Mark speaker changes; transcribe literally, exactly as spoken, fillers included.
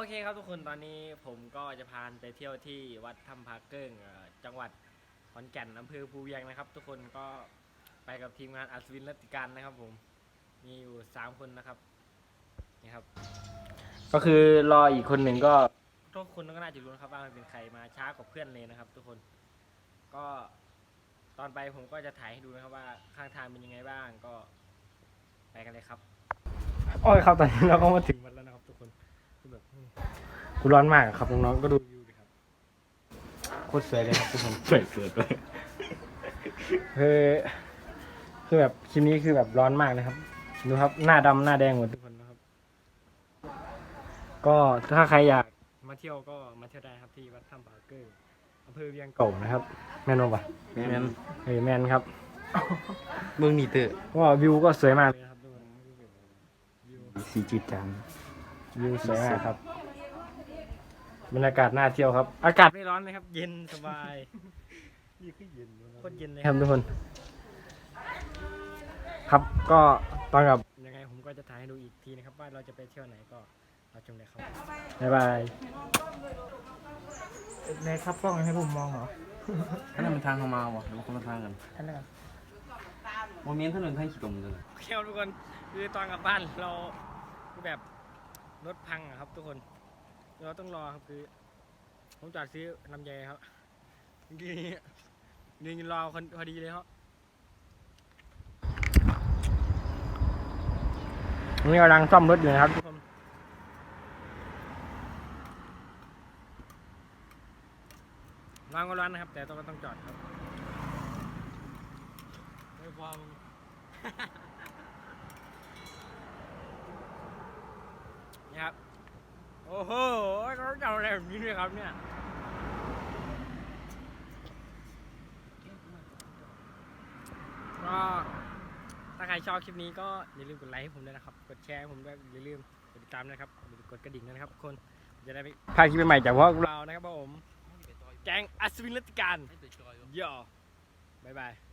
Speaker 1: เคครับทุกคนตอนนี้ผมก็จะพาไปเที่ยวที่วัดถ้ำพาเกิ้งจังหวัดขอนแก่นอำเภอภูเวียงนะครับทุกคนก็ไปกับทีมงานอัศวินรัตติการนะครับผมมีอยู่สามคนนะครับนี่ครับก็คือรออีกคนหนึ่งก็ทุกคนก็น่าจะรู้นะครับว่ามันเป็นใครมาช้ากว่าเพื่อนเลยนะครับทุกคนก็ตอนไปผมก็จะถ่ายให้ดูนะครับว่าข้างทางเป็นยังไงบ้างก็ไปกันเลยครับโอ้ยครับตอนนี้เราก็มาถึงวัดแล้วนะครับทุกคนคือแบบกูร้อนมากครับน้องๆก็ดูวิวดิครับโคตรสวยเลยครับทุกคนสวยเกินเลยคือคือแบบคลิปนี้คือแบบร้อนมากนะครับดูครับหน้าดำหน้าแดงหมดทุกคนนะครับก็ถ้าใครอยากมาเที่ยวก็มาเที่ยวได้ครับที่วัดถ้ำผาเกิ้งอำเภอเวียงเก่านะครับแม่นบ่แม่นเฮ้ยแม่นครับ
Speaker 2: เมืองนี่เตอร์
Speaker 1: ว่าวิวก็สวยมากเลยครับทุกคน
Speaker 2: สีจิตจัง
Speaker 1: วิวสวยมากครับบรรยากาศน่าเที่ยวครับอากาศไม่ร้อนเลยครับเย็นสบายนี่คือเย็นโคตรเย็นเลยครับทุกคนครับก็ตอนกับยังไงผมก็จะถ่ายให้ดูอีกทีนะครับว่าเราจะไปเที่ยวไหนก็เราชมเลยครับบ๊ายบายในครับกล้องให้ผมมองเหรอ
Speaker 2: อันนั้นมันทางเข้ามาวะหรือว่าคนละทางกัน
Speaker 1: อันนั้น
Speaker 2: โมเมนต์ถนนทางขี้ตมเลย
Speaker 1: โอเคทุกคนคือตอนกลับบ้านเราคือแบบรถพังอะครับทุกคนเราต้องรอครับคือผมจอดซื้อลำไยครับนี่นี่รอคนพอดีเลยครับนี่กำลังซ่อมรถอยู่นะครับทุกคนร้านก็ร้านนะครับแต่ต้องต้องจอดครับไม่พอมึงนี่ครับโอ้โหเขาจะเอาอะไรแบบนี้ด้วยครับเนี่ยก็ถ้าใครชอบคลิปนี้ก็อย่าลืมกดไลค์ให้ผมด้วยนะครับกดแชร์ให้ผมด้วยอย่าลืมกดติดตามนะครับกดกระดิ่งนะครับทุกคนจะได้ไม่พลาดคลิปใหม่จากพวกเรานะครับผมแก๊งอัศวินรัตติการย่อบ๊ายบาย